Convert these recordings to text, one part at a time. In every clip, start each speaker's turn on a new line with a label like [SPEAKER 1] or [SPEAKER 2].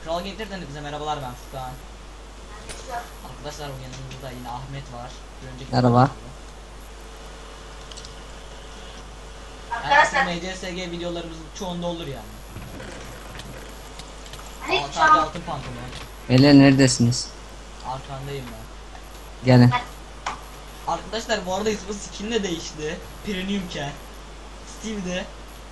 [SPEAKER 1] Kral Game'den bize merhabalar, ben Furkan. Arkadaşlar bu yanımızda yine Ahmet var. Bir önceki
[SPEAKER 2] Merhaba.
[SPEAKER 1] arkadaşlar MCSG videolarımızın çoğunda olur yani.
[SPEAKER 3] Hani
[SPEAKER 1] Sadece altın pantolon.
[SPEAKER 2] Beyler neredesiniz?
[SPEAKER 1] Arkandayım ben.
[SPEAKER 2] Gelin.
[SPEAKER 1] Arkadaşlar bu arada ismi skin de değişti. Premiumken. Steve'de.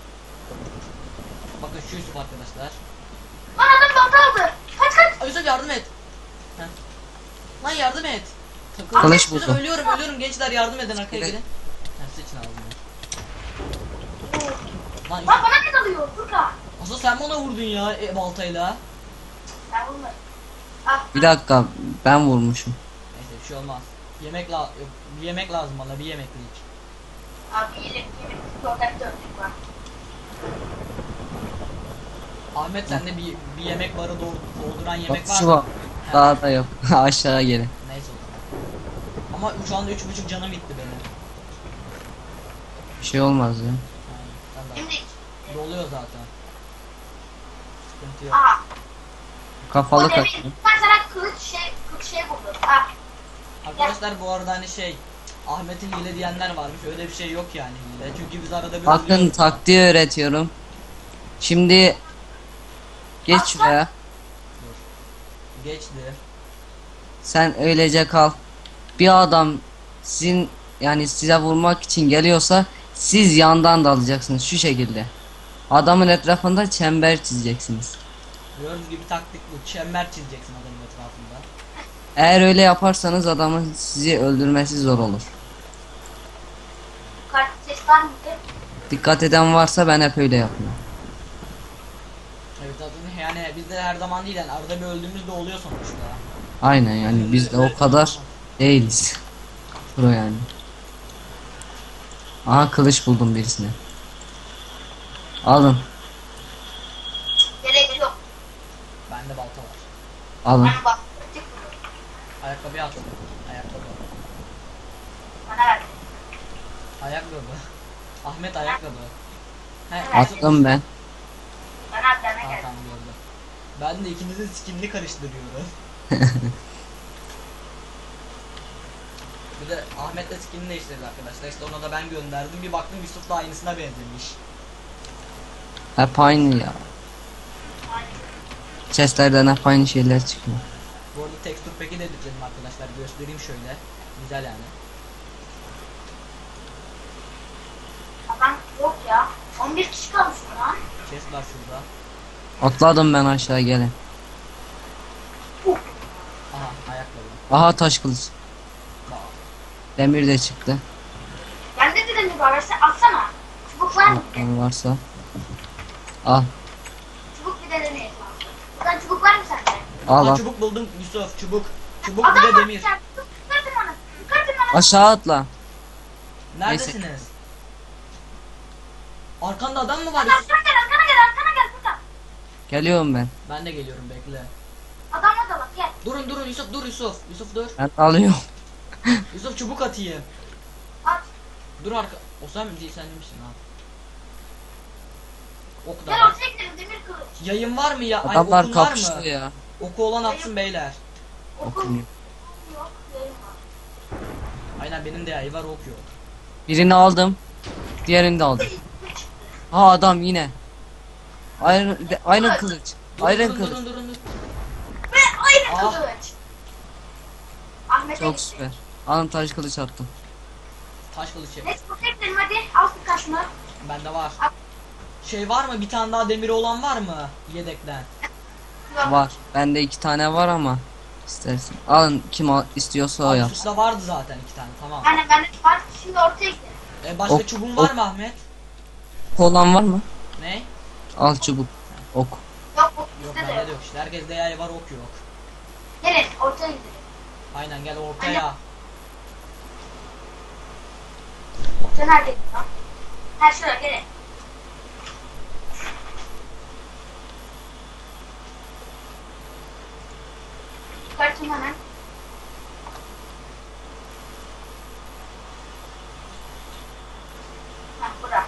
[SPEAKER 1] Bakın şu Yusuf arkadaşlar.
[SPEAKER 3] Lan adam balta aldı. Kaç kaç.
[SPEAKER 1] Ay Yusuf yardım et. Heh. Lan yardım et.
[SPEAKER 2] Kılıç
[SPEAKER 1] Yusuf,
[SPEAKER 2] buldum.
[SPEAKER 1] ölüyorum gençler, yardım edin, arkaya gelin. Sıçın ağzına. Lan
[SPEAKER 3] Lan bana ne dalıyor Furkan?
[SPEAKER 1] asıl sen bana vurdun ya baltayla.
[SPEAKER 3] Ben vurmadım. Ah.
[SPEAKER 2] Bir dakika, ben vurmuşum.
[SPEAKER 1] Neyse bir şey olmaz. Yok, bir yemek lazım bana, bir yemeklik.
[SPEAKER 3] Abi yemek protectörlük var.
[SPEAKER 1] Ahmet sende bir yemek barı dolduran yemek var
[SPEAKER 2] Şu
[SPEAKER 1] mı?
[SPEAKER 2] var.
[SPEAKER 1] He,
[SPEAKER 2] Daha da yok. Aşağı gelin.
[SPEAKER 1] neyse o zaman. Ama şu anda 3,5 canım gitti benim.
[SPEAKER 2] Bir şey olmaz ya.
[SPEAKER 1] Yani, sen de-
[SPEAKER 3] Şimdi
[SPEAKER 1] doluyor zaten. Sıkıntı yok.
[SPEAKER 3] aha.
[SPEAKER 2] Kafalı
[SPEAKER 3] O demir.
[SPEAKER 2] kaçın.
[SPEAKER 3] Ben sana kılıç şey buldum. Ah.
[SPEAKER 1] Arkadaşlar bu arada hani Ahmet'in hile diyenler varmış, öyle bir şey yok yani hile. Çünkü biz arada bir
[SPEAKER 2] Bakın
[SPEAKER 1] ölüyoruz.
[SPEAKER 2] taktiği öğretiyorum. Şimdi geç şuraya.
[SPEAKER 1] Geçti.
[SPEAKER 2] Sen öylece kal. Bir adam sizin yani size vurmak için geliyorsa siz yandan dalacaksınız şu şekilde. Adamın etrafında çember çizeceksiniz.
[SPEAKER 1] Gördüğünüz gibi taktik bu. Çember çizeceksin adamın etrafında.
[SPEAKER 2] Eğer öyle yaparsanız adamın sizi öldürmesi zor olur.
[SPEAKER 3] Kart ses var mıydı?
[SPEAKER 2] Dikkat eden varsa ben hep öyle yapıyorum.
[SPEAKER 1] Evet zaten yani biz de her zaman değil yani, arada bir öldüğümüzde oluyor sonuçta.
[SPEAKER 2] Aynen yani biz de o kadar değiliz. Pro yani. Aha kılıç buldum birisine. Alın.
[SPEAKER 3] Gerek yok.
[SPEAKER 1] Bende balta var.
[SPEAKER 2] Alın.
[SPEAKER 3] Ben bak. Tek buldum.
[SPEAKER 1] Ayakkabı attım. Ayakkabı.
[SPEAKER 3] Bana ver.
[SPEAKER 1] Ayakkabı. Ahmet ayakkabı. He,
[SPEAKER 2] Attım ben.
[SPEAKER 3] Bana at bana
[SPEAKER 1] Tamam
[SPEAKER 3] gel.
[SPEAKER 1] tamam, gördüm. Ben de ikinizin skinini karıştırıyorum. Bir de Ahmet'le skinini değiştirdi arkadaşlar. İşte ona da ben gönderdim. Bir baktım Yusuf da aynısına benzemiş.
[SPEAKER 2] Hep aynı ya. Chestlerden hep aynı şeyler çıkıyor.
[SPEAKER 1] Bu arada texture pack'i de editledim arkadaşlar. Göstereyim şöyle. Güzel yani.
[SPEAKER 3] Adam yok ya. 11 kişi kalmış lan.
[SPEAKER 1] Chest var şurada.
[SPEAKER 2] Atladım ben aşağı gelin.
[SPEAKER 1] Aha ayakkabı.
[SPEAKER 2] Aha taş kılıç.
[SPEAKER 1] Bak.
[SPEAKER 2] Demir de çıktı.
[SPEAKER 3] Bende de demir var. Versen atsana. Çubuk var mı?
[SPEAKER 2] Bakalım varsa. Al.
[SPEAKER 3] Çubuk bir de demir. Buradan çubuk var mı sende?
[SPEAKER 2] Al
[SPEAKER 1] Aa,
[SPEAKER 2] al.
[SPEAKER 1] çubuk buldum Yusuf, çubuk. Çubuk
[SPEAKER 3] Adam
[SPEAKER 1] bir de
[SPEAKER 3] var
[SPEAKER 1] demir.
[SPEAKER 3] sen. Çıkartın bana. Çıkartın bana.
[SPEAKER 2] Aşağı atla.
[SPEAKER 1] Neredesiniz? Arkanda adam mı var Yusuf?
[SPEAKER 3] Arkana gel arkana gel arkana gel burada.
[SPEAKER 2] Geliyorum ben.
[SPEAKER 1] Ben de geliyorum, bekle.
[SPEAKER 3] Adamla da bak gel.
[SPEAKER 1] Durun Yusuf, dur Yusuf. Yusuf dur.
[SPEAKER 2] Ben alıyorum.
[SPEAKER 1] Yusuf çubuk atayım.
[SPEAKER 3] At.
[SPEAKER 1] Dur o sen mi değil, sen misin ha? Ok da
[SPEAKER 3] Gel
[SPEAKER 1] var.
[SPEAKER 3] ortaya gidelim demir kılıç.
[SPEAKER 1] Yayın var mı ya? Ay,
[SPEAKER 2] Adamlar
[SPEAKER 1] okun var
[SPEAKER 2] kapıştı
[SPEAKER 1] mı?
[SPEAKER 2] ya.
[SPEAKER 1] Oku olan atsın beyler.
[SPEAKER 3] Okul
[SPEAKER 2] Okumuyor.
[SPEAKER 3] yok. Yayın var.
[SPEAKER 1] Aynen, benim de yayı var, ok yok.
[SPEAKER 2] Birini aldım. Diğerini de aldım. Ha adam yine. Iron kılıç.
[SPEAKER 1] Durun,
[SPEAKER 2] Iron
[SPEAKER 1] durun,
[SPEAKER 2] kılıç.
[SPEAKER 1] durun.
[SPEAKER 3] Ve aynı
[SPEAKER 1] Ah.
[SPEAKER 3] kılıç. Ahmet'e
[SPEAKER 2] Çok
[SPEAKER 3] gitti.
[SPEAKER 2] süper. Alın taş kılıç attım.
[SPEAKER 1] Taş kılıç yap.
[SPEAKER 3] Let's protect hadi. Al birkaç mı?
[SPEAKER 1] Bende var. Var mı? Bir tane daha demiri olan var mı? Yedekten.
[SPEAKER 3] Yok.
[SPEAKER 2] Var. Bende 2 tane var ama istersin. Alın kim istiyorsa o
[SPEAKER 1] Aa,
[SPEAKER 2] yap.
[SPEAKER 1] Yusuf'ta vardı zaten 2 tane, tamam.
[SPEAKER 3] Yani bende var. Şimdi ortaya gidelim.
[SPEAKER 1] Başka
[SPEAKER 2] Ok,
[SPEAKER 1] çubuğun var
[SPEAKER 2] ok.
[SPEAKER 1] mı Ahmet?
[SPEAKER 2] Olan var mı?
[SPEAKER 1] Ne?
[SPEAKER 2] Al çubuk. Ok.
[SPEAKER 3] Yok bu
[SPEAKER 1] Yok,
[SPEAKER 3] bizde de
[SPEAKER 1] bende
[SPEAKER 3] yok.
[SPEAKER 1] de yok işte. Herkeste yay var, ok yok.
[SPEAKER 3] Gelin ortaya gidelim.
[SPEAKER 1] Aynen, gel ortaya.
[SPEAKER 3] Sen nerede lan? Ha şuraya gelin. Çıkartın hemen. Ha bura.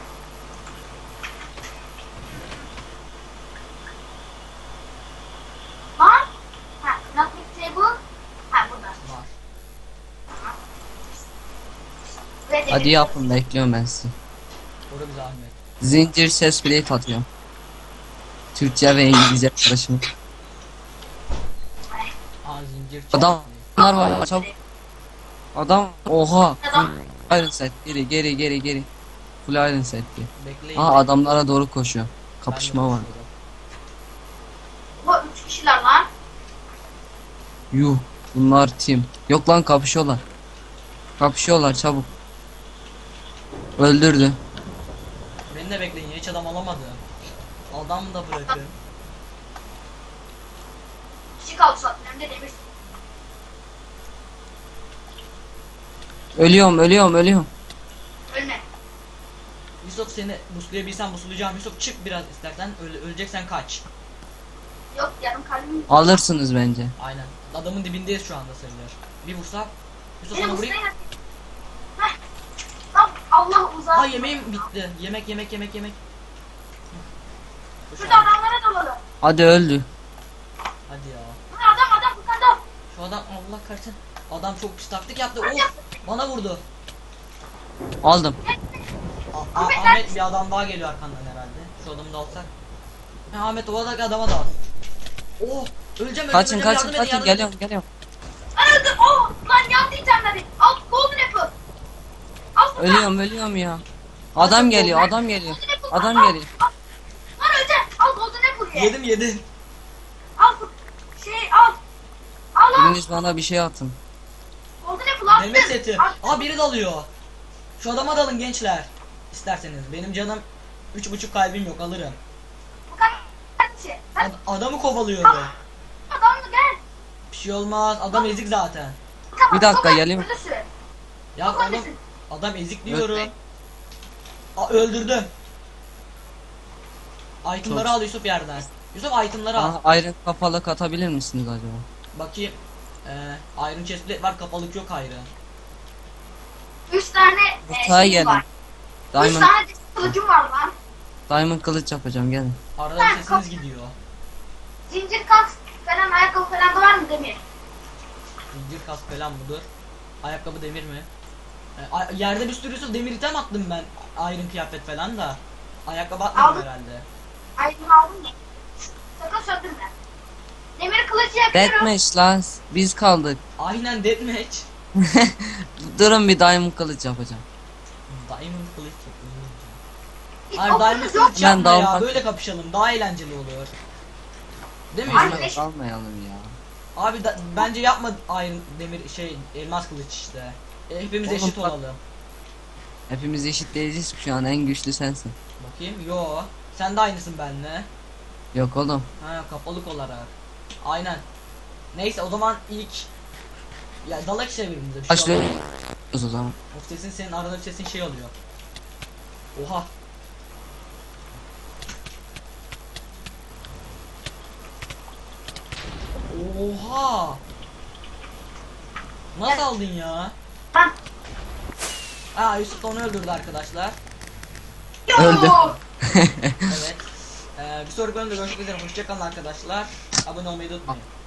[SPEAKER 3] Ve demir
[SPEAKER 2] Hadi yapın, bekliyorum ben sizi.
[SPEAKER 1] Koru bizi Ahmet.
[SPEAKER 2] Zincir ses plate atıyorum. Türkçe ve İngilizce karışımı.
[SPEAKER 1] Aa zincir
[SPEAKER 2] Adamlar var çabuk. Adam oha. Iron set geri. Full iron set diye.
[SPEAKER 1] Bekleyin.
[SPEAKER 2] Aa adamlara doğru koşuyor.
[SPEAKER 1] Ben de
[SPEAKER 2] Kapışma var.
[SPEAKER 1] koşuyorum.
[SPEAKER 3] Bu 3 kişiler lan.
[SPEAKER 2] Yuh, bunlar team. Yok lan, kapışıyorlar. Kapışıyorlar çabuk. Öldürdü.
[SPEAKER 1] Beni de bekleyin. Hiç adam alamadı. Adam da bırakın.
[SPEAKER 3] Kişi kaldı zaten. Hem de demir.
[SPEAKER 2] Ölüyorum.
[SPEAKER 3] Ölme.
[SPEAKER 1] Yusuf seni buslayabilsem buslayacağım. Yusuf çık biraz istersen. Öleceksen kaç.
[SPEAKER 3] Yok yarım kalbim.
[SPEAKER 2] Alırsınız bence.
[SPEAKER 1] Aynen. Adamın dibindeyiz şu anda sayılır. Bir vursak. Yusuf
[SPEAKER 3] Beni
[SPEAKER 1] sana vurayım.
[SPEAKER 3] buslayın. Heh. Lan Allah uzak.
[SPEAKER 1] Ha yemeğim bitti. Yemek.
[SPEAKER 3] Şurada adamlara dalalım.
[SPEAKER 2] Hadi öldü.
[SPEAKER 1] Hadi ya.
[SPEAKER 3] Burada adam bu kadar.
[SPEAKER 1] Şu adam Allah kahretsin. Adam çok pis taktik yaptı. Of bana vurdu.
[SPEAKER 2] Aldım.
[SPEAKER 1] Ahmet bir adam daha geliyor arkandan herhalde. Şu adamı da alsak. Ha, Ahmet o adaki adama da al. Oh öleceğim
[SPEAKER 2] Kaçın
[SPEAKER 1] yardım edin, yardım edin.
[SPEAKER 2] geliyorum.
[SPEAKER 3] Ben öldüm. Oh lan yandı itemleri. Al golden apple. Al burada.
[SPEAKER 2] Ölüyorum ya. Adam geliyor.
[SPEAKER 3] Golden apple, al, al. Lan öleceğim. Al golden apple ye.
[SPEAKER 1] Yedim.
[SPEAKER 3] Al bu al. Al.
[SPEAKER 2] Biriniz bana bir şey atın.
[SPEAKER 3] Golden apple al.
[SPEAKER 1] Mehmet seti.
[SPEAKER 3] Al.
[SPEAKER 1] Aa biri dalıyor. Şu adama dalın gençler. İsterseniz. Benim canım 3,5 kalbim yok alırım.
[SPEAKER 3] Bu kadar şey. Sen
[SPEAKER 1] Adamı kovalıyorum.
[SPEAKER 3] adamla gel.
[SPEAKER 1] Bir şey olmaz. Adam ezik zaten.
[SPEAKER 3] Tamam,
[SPEAKER 2] Bir dakika,
[SPEAKER 3] sokak
[SPEAKER 2] geleyim.
[SPEAKER 3] ölüsü.
[SPEAKER 1] Ya
[SPEAKER 3] Sokak
[SPEAKER 1] adam
[SPEAKER 3] ölüsü.
[SPEAKER 1] adam ezik diyorum.
[SPEAKER 2] Öldürmeyin.
[SPEAKER 1] Aa öldürdüm. Itemları
[SPEAKER 2] Çok-
[SPEAKER 1] al Yusuf yerden. Yusuf itemları al.
[SPEAKER 2] Bana iron kafalık atabilir misiniz acaba?
[SPEAKER 1] Bakayım. Iron chestplate var kapalık yok ayrı.
[SPEAKER 3] 3 tane
[SPEAKER 2] Mutfağa
[SPEAKER 3] şeyim
[SPEAKER 2] gelin.
[SPEAKER 3] var. 3
[SPEAKER 2] Diamond,
[SPEAKER 3] tane kılıcım var lan.
[SPEAKER 2] diamond kılıç yapacağım, gelin.
[SPEAKER 1] Arada bir sesiniz gidiyor.
[SPEAKER 3] Zincir kask falan ayakkabı falan da var mı Demir?
[SPEAKER 1] Zincir kask falan budur. Ayakkabı demir mi? Yerde bir sürü Yusuf demir item attım ben. Iron kıyafet falan da. Ayakkabı atmadım
[SPEAKER 3] Aldım.
[SPEAKER 1] herhalde.
[SPEAKER 3] Aydın aldın mı? Sakın söndürme. Demir kılıcı yapıyorum.
[SPEAKER 2] Deathmatch lan, biz kaldık.
[SPEAKER 1] Aynen deathmatch.
[SPEAKER 2] Durun, bir diamond kılıç yapacağım.
[SPEAKER 1] Diamond kılıç yapıyorum.
[SPEAKER 3] Hiç
[SPEAKER 1] Hayır
[SPEAKER 3] okumuz
[SPEAKER 1] diamond
[SPEAKER 3] yok.
[SPEAKER 1] kılıç yapma
[SPEAKER 2] Ben
[SPEAKER 1] ya.
[SPEAKER 2] dalmak-
[SPEAKER 1] Böyle kapışalım daha eğlenceli olur. Değil mi
[SPEAKER 3] Aynen.
[SPEAKER 1] Yusuf?
[SPEAKER 3] Eş-
[SPEAKER 2] Almayalım ya.
[SPEAKER 1] Abi bence yapma iron demir elmas kılıç işte. Hepimiz
[SPEAKER 2] Oğlum
[SPEAKER 1] eşit
[SPEAKER 2] bak-
[SPEAKER 1] olalım.
[SPEAKER 2] Hepimiz eşit değiliz, şu an en güçlü sensin.
[SPEAKER 1] Bakayım. Yo. Sen de aynısın benimle.
[SPEAKER 2] Yok oğlum.
[SPEAKER 1] Ha kapalık olarak. Aynen. Neyse o zaman ilk ya dalak işte birbirimize bir şey
[SPEAKER 2] Başlıyoruz
[SPEAKER 1] olmuyor.
[SPEAKER 2] o zaman.
[SPEAKER 1] Of sesin senin arada bir sesin şey oluyor. Oha. Oha. Nasıl aldın ya?
[SPEAKER 3] Ben.
[SPEAKER 1] Aa Yusuf da onu öldürdü arkadaşlar.
[SPEAKER 2] Öldü.
[SPEAKER 1] Evet. Bir sonraki bölümde görüşmek üzere. Hoşçakalın arkadaşlar. Abone olmayı da unutmayın.